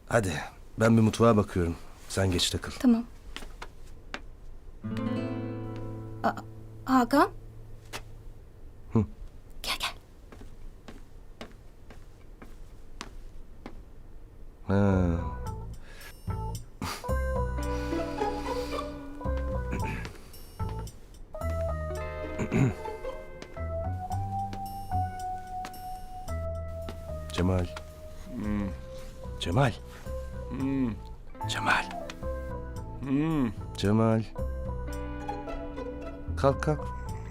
Hadi ben bir mutfağa bakıyorum. Sen geç takıl. Tamam. Hakan. Hı. Gel gel. Ha. Cemal. Cemal. Cemal. Cemal. Kalk kalk.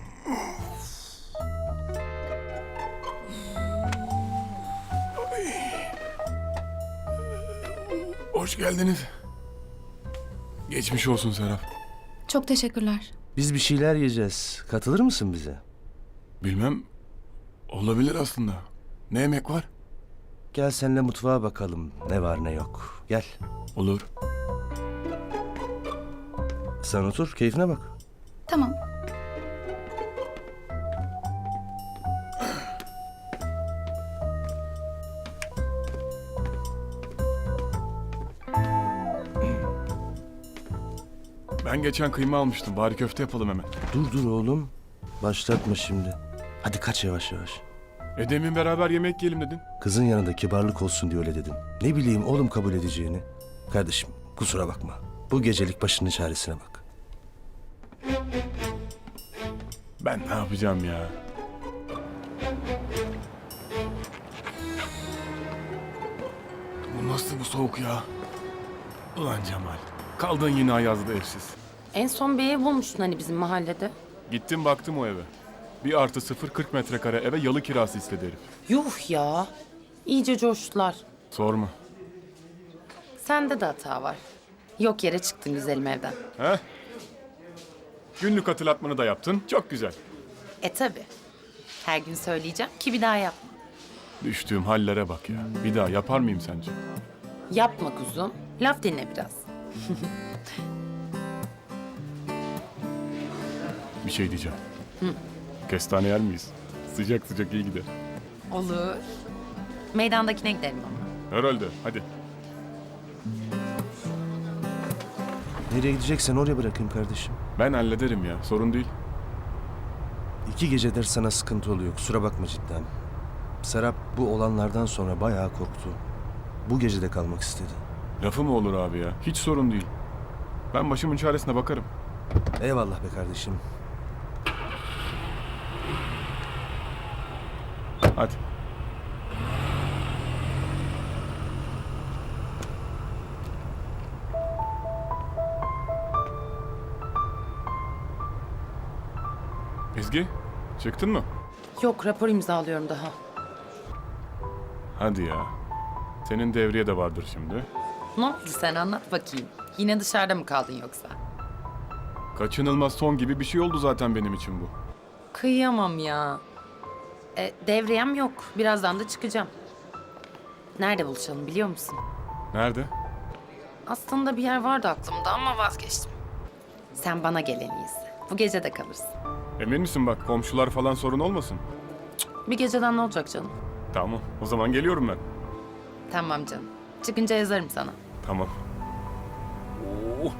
Hoş geldiniz. Geçmiş olsun Serap. Çok teşekkürler. Biz bir şeyler yiyeceğiz. Katılır mısın bize? Bilmem. Olabilir aslında. Ne yemek var? Gel seninle mutfağa bakalım. Ne var ne yok. Gel. Olur. Sen otur, keyfine bak. Tamam. Ben geçen kıyma almıştım. Bari köfte yapalım hemen. Dur oğlum. Başlatma şimdi. Hadi kaç yavaş yavaş. Demin beraber yemek yiyelim dedin. Kızın yanında kibarlık olsun diye öyle dedim. Ne bileyim oğlum kabul edeceğini. Kardeşim kusura bakma. Bu gecelik başının çaresine bak. Ben ne yapacağım ya? Bu nasıl bu soğuk ya? Ulan Cemal. Kaldın yine Ayaz'da evsiz. En son bir ev bulmuştun hani bizim mahallede. Gittim baktım o eve. 1+0 40 metrekare eve yalı kirası istedi herif. Yuh ya. İyice coştular. Sorma. Sende de hata var. Yok yere çıktın güzelim evden. He? Günlük hatırlatmanı da yaptın. Çok güzel. Tabi. Her gün söyleyeceğim ki bir daha yapma. Düştüğüm hallere bak ya. Bir daha yapar mıyım sence? Yapma kuzum. Laf dinle biraz. Bir şey diyeceğim. Kestane yer miyiz? Sıcak sıcak iyi gider. Olur. Meydandakine gidelim ama. Herhalde. Hadi. Nereye gideceksen oraya bırakayım kardeşim. Ben hallederim ya. Sorun değil. 2 gecedir sana sıkıntı oluyor. Kusura bakma cidden. Serap bu olanlardan sonra bayağı korktu. Bu gece de kalmak istedi. Lafı mı olur abi ya? Hiç sorun değil. Ben başımın çaresine bakarım. Eyvallah be kardeşim. Hadi. Ezgi, çıktın mı? Yok rapor imzalıyorum daha. Hadi ya. Senin devriye de vardır şimdi. Ne oldu sen anlat bakayım. Yine dışarıda mı kaldın yoksa? Kaçınılmaz son gibi bir şey oldu zaten benim için bu. Kıyamam ya. Devriyem yok. Birazdan da çıkacağım. Nerede buluşalım biliyor musun? Nerede? Aslında bir yer vardı aklımda ama vazgeçtim. Sen bana gel en iyisi. Bu gece de kalırsın. Emin misin bak komşular falan sorun olmasın? Bir geceden ne olacak canım? Tamam o zaman geliyorum ben. Tamam canım. Çıkınca yazarım sana. Tamam. Oo.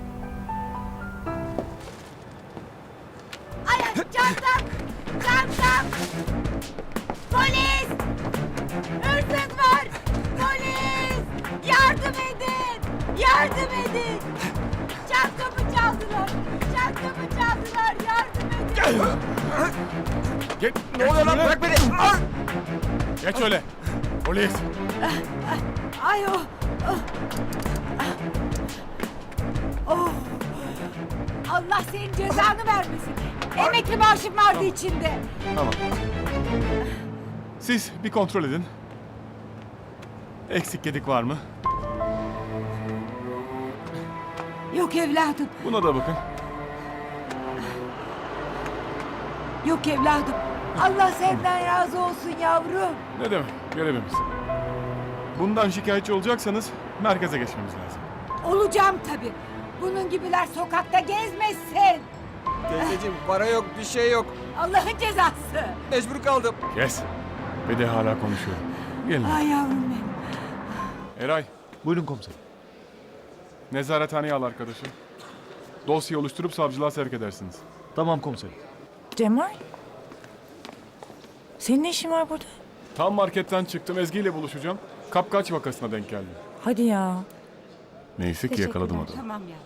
Çantam! Polis! Hırsız var! Polis! Yardım edin! Yardım edin! Çantamı çaldılar! Çantamı çaldılar! Yardım edin! Geç. Ne oluyor lan bırak beni. Geç öyle. Polis. Ay o! Oh! Allah senin cezanı vermesin. Emekli maaşım vardı içinde. Tamam. Siz bir kontrol edin. Eksik gedik var mı? Yok evladım. Buna da bakın. Yok evladım. Allah senden razı olsun yavrum. Ne demek? Görevimiz. Bundan şikayetçi olacaksanız merkeze geçmemiz lazım. Olacağım tabii. Bunun gibiler sokakta gezmesin. Teyzeciğim para yok, bir şey yok. Allah'ın cezası. Mecbur kaldım. Kes. Ve de hala konuşuyorum. Gelin. Ay yavrum benim. Eray, Buyurun komiserim. Nezarethaneye al arkadaşı. Dosya oluşturup savcılığa sevk edersiniz. Tamam komiserim. Cemal? Senin ne işin var burada? Tam marketten çıktım. Ezgi ile buluşacağım. Kapkaç vakasına denk geldim. Hadi ya. Neyse ki yakaladım adamı. Tamam ya.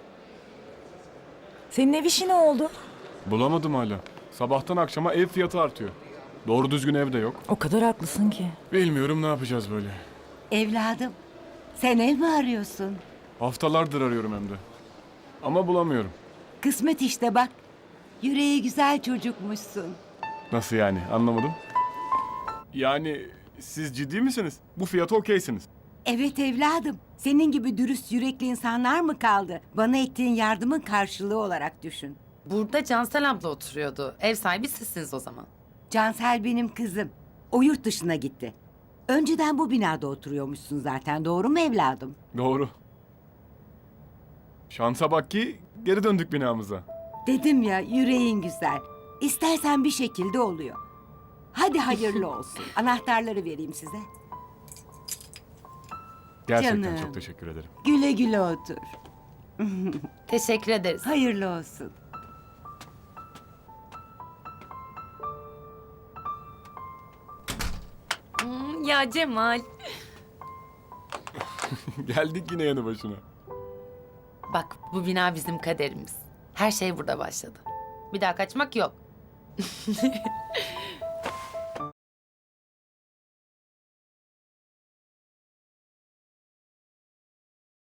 Senin ev işi ne oldu? Bulamadım hala. Sabahtan akşama ev fiyatı artıyor. Doğru düzgün ev de yok. O kadar haklısın ki. Bilmiyorum ne yapacağız böyle. Evladım, sen ev mi arıyorsun? Haftalardır arıyorum hem de. Ama bulamıyorum. Kısmet işte bak. Yüreği güzel çocukmuşsun. Nasıl yani? Anlamadım. Yani siz ciddi misiniz? Bu fiyata okeysiniz. Evet evladım. Senin gibi dürüst yürekli insanlar mı kaldı? Bana ettiğin yardımın karşılığı olarak düşün. Burada Cansel abla oturuyordu. Ev sahibi sizsiniz o zaman. Cansel benim kızım. O yurt dışına gitti. Önceden bu binada oturuyormuşsun zaten. Doğru mu evladım? Doğru. Şansa bak ki geri döndük binamıza. Dedim ya yüreğin güzel. İstersen bir şekilde oluyor. Hadi hayırlı olsun. Anahtarları vereyim size. Gerçekten Canım. çok teşekkür ederim. Güle güle otur. Teşekkür ederiz. Hayırlı olsun. Ya Cemal. Geldik yine yanı başına. Bak bu bina bizim kaderimiz. Her şey burada başladı. Bir daha kaçmak yok.